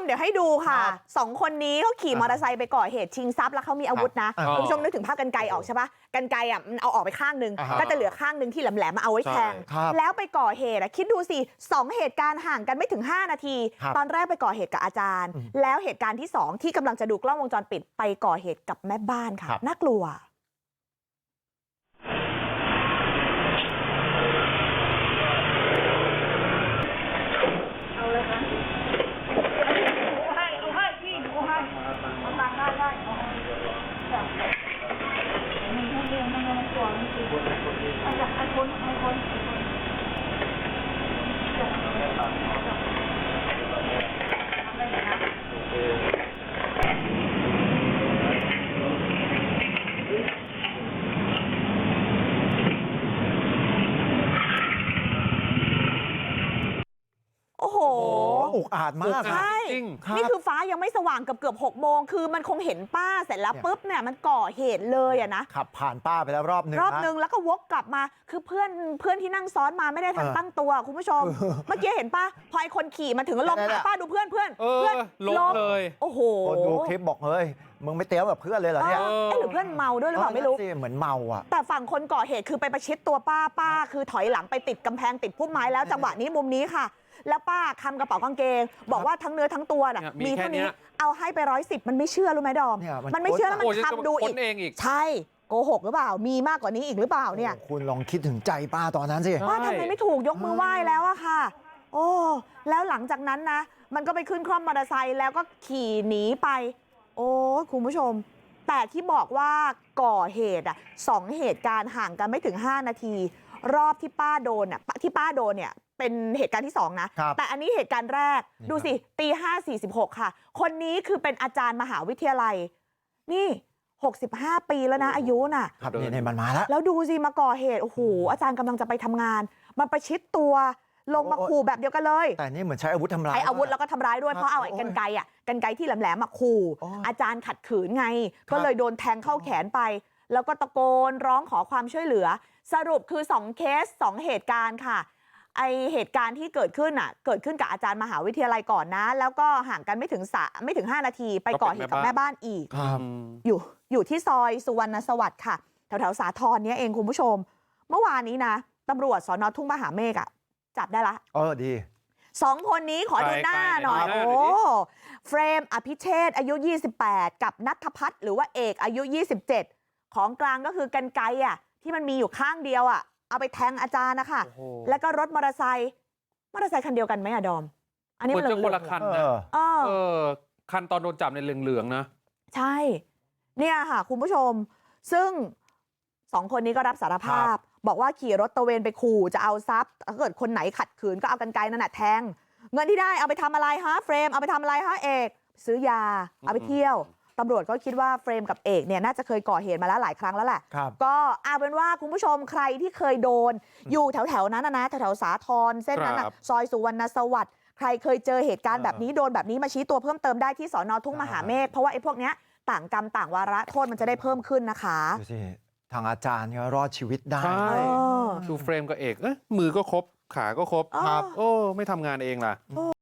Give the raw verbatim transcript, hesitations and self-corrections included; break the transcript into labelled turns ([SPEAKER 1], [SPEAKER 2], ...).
[SPEAKER 1] มเดี๋ยวให้ดูค่ะสองคนนี้เขาขี่มอเตอร์ไซค์ไปก่อเหตุชิงทรัพย์แล้วเขามีอาวุธนะคุณผู้ชมนึกถึงภาพกรรไกรออกใช่ปะกรรไกรอ่ะมันเอาออกไปข้างนึงก็จะเหลือข้างนึงที่แหลมๆมาเอาไว้แทงแล้วไปก่อเหตุคิดดูสิสองเหตุการณ์ห่างกันไม่ถึงห้านาทีตอนแรกไปก่อเหตุกับอาจารย์แล้วเหตุการณ์ที่สองที่กำลังจะดูกล้องวงจรปิดไปก่อเหตุกับแม่บ้านค่ะน่ากลัวโอ้โห
[SPEAKER 2] อุกอาจมาก
[SPEAKER 1] ใช่นี่คือฟ้ายังไม่สว่างเกือบเกือบหกโมงคือมันคงเห็นป้าเสร็จแล้วปุ๊บเนี่ยมันก่อเหตุเลยอะนะ
[SPEAKER 2] ขับผ่านป้าไปแล้วรอบนึง
[SPEAKER 1] รอบนึงแล้วก็วกกลับมาคือเพื่อนเพื่อนที่นั่งซ้อนมาไม่ได้ทันตั้งตัวคุณผู้ชมเมื่อกี้เห็นป้าพอไอ้คนขี่มาถึงลงหาป้าดูเพื่อนเพื่อนเพื่อน
[SPEAKER 3] ลงเลย
[SPEAKER 1] โอ้โห
[SPEAKER 2] คนดูคลิปบอกเฮ้ยมึงไม่เตี้ยวแบบเพื่อนเลยเหรอเนี่ย
[SPEAKER 1] เอ้หรือเพื่อนเมาด้วยหรือเปล่าไม่รู้
[SPEAKER 2] เหมือนเมาอ่ะ
[SPEAKER 1] แต่ฝั่งคนก่อเหตุคือไปประชิดตัวป้าป้าคือถอยหลังไปติดกำแพงติดพุ่มไม้แล้วจังหวะนี้มุมนี้ค่ะแล้วป้าคำกระเป๋ากางเกงบอกว่าทั้งเนื้อทั้งตัวน่ะมีเท่านี้เอาให้ไปร้อยสิบมันไม่เชื่อรู้ไหมดอมมันไม่เชื่อแล้วมันทำดูอีกใช่โกหกหรือเปล่ามีมากกว่านี้อีกหรือเปล่าเนี่ย
[SPEAKER 2] คุณลองคิดถึงใจป้าตอนนั้นสิ
[SPEAKER 1] ป้าทำไมไม่ถูกยกมือไหว้แล้วอะค่ะโอ้แล้วหลังจากนั้นนะมันก็ไปขึ้นคร่อมมอเตอร์ไซค์แล้วก็ขี่หนีไปโอ้คุณผู้ชมแต่ที่บอกว่าก่อเหตุอ่ะสองเหตุการณ์ห่างกันไม่ถึงห้านาทีรอบที่ป้าโดนอ่ะที่ป้าโดนเนี่ยเป็นเหตุการณ์ที่สองนะแต่อันนี้เหตุการณ์แรกดูสิตีห้าสี่สิบหกค่ะคนนี้คือเป็นอาจารย์มหาวิทยาลัยนี่หกสิบห้าปีแล้วนะอายุน่ะ
[SPEAKER 2] ครับนี่มันมาแล้ว
[SPEAKER 1] แล้วดูสิมาก่อเหตุโอ้โหอาจารย์กำลังจะไปทำงานมันประชิดตัวลงมาขู่แบบเดียวกันเลย
[SPEAKER 2] แต่นี่เหมือนใช้อาวุธทำร้าย
[SPEAKER 1] ใช้อาวุธแล้วก็ทำร้ายด้วยเพราะเอาไอ้กรรไกรอ่ะกรรไกรที่แหลมๆมาขู่อาจารย์ขัดขืนไงก็เลยโดนแทงเข้าแขนไปแล้วก็ตะโกนร้องขอความช่วยเหลือสรุปคือสองเคสสองเหตุการณ์ค่ะไอเหตุการณ์ที่เกิดขึ้นอ่ะเกิดขึ้นกับอาจารย์มหาวิทยาลัยก่อนนะแล้วก็ห่างกันไม่ถึงสะไม่ถึงห้านาทีไปก่อเหตุกับแม่บ้านอีกอยู่อยู่ที่ซอยสุวรรณสวัสดิ์ค่ะแถวแถวสาทรเนี้ยเองคุณผู้ชมเมื่อวานนี้นะตำรวจสน.ทุ่งมหาเมฆอ่ะจับได้ละ
[SPEAKER 2] เออดี
[SPEAKER 1] สองคนนี้ขอดูหน้าหน่อยโอ้เฟรมอภิเชษอายุยี่สิบแปดกับณัฐพัฒน์หรือว่าเอกอายุยี่สิบเจ็ดของกลางก็คือกรรไกรอ่ะที่มันมีอยู่ข้างเดียวอ่ะเอาไปแทงอาจารย์นะคะแล้วก็รถมอเตอร์ไซค์มอเตอร์ไซค์คันเดียวกันไหมอะดอม
[SPEAKER 3] อันนี้มันจะคนละคันนะเออคันตอนโดนจับในเหลืองๆนะ
[SPEAKER 1] ใช่เนี่ยค่ะคุณผู้ชมซึ่งสองคนนี้ก็รับสารภาพบอกว่าขี่รถตระเวนไปขู่จะเอาทรัพย์ถ้าเกิดคนไหนขัดขืนก็เอากรรไกรนั่นแหละแทงเงินที่ได้เอาไปทำอะไรฮะเฟรมเอาไปทำอะไรฮะเอกซื้อยาเอาไปเที่ยวตำรวจก็คิดว่าเฟรมกับเอกเนี่ยน่าจะเคยก่อเหตุมาแล้วหลายครั้งแล้วแหละก็เอาเป็นว่าคุณผู้ชมใครที่เคยโดนอยู่แถวๆนั้นนะแถวๆสาทรเส้นนั้นนะซอยสุวรรณสวัสดิ์ใครเคยเจอเหตุการณ์แบบนี้โดนแบบนี้มาชี้ตัวเพิ่มเติมได้ที่สน.ทุ่งมหาเมฆเพราะว่าไอ้พวกเนี้ยต่างกรรมต่างวาระโทษมันจะได้เพิ่มขึ้นนะคะ
[SPEAKER 2] ดูสิทางอาจารย์ก็รอดชีวิตได้
[SPEAKER 3] ดูเฟรมกับเอกเอ้ยมือก็ครบขาก็ครบครับโอ้ไม่ทำงานเองล่ะ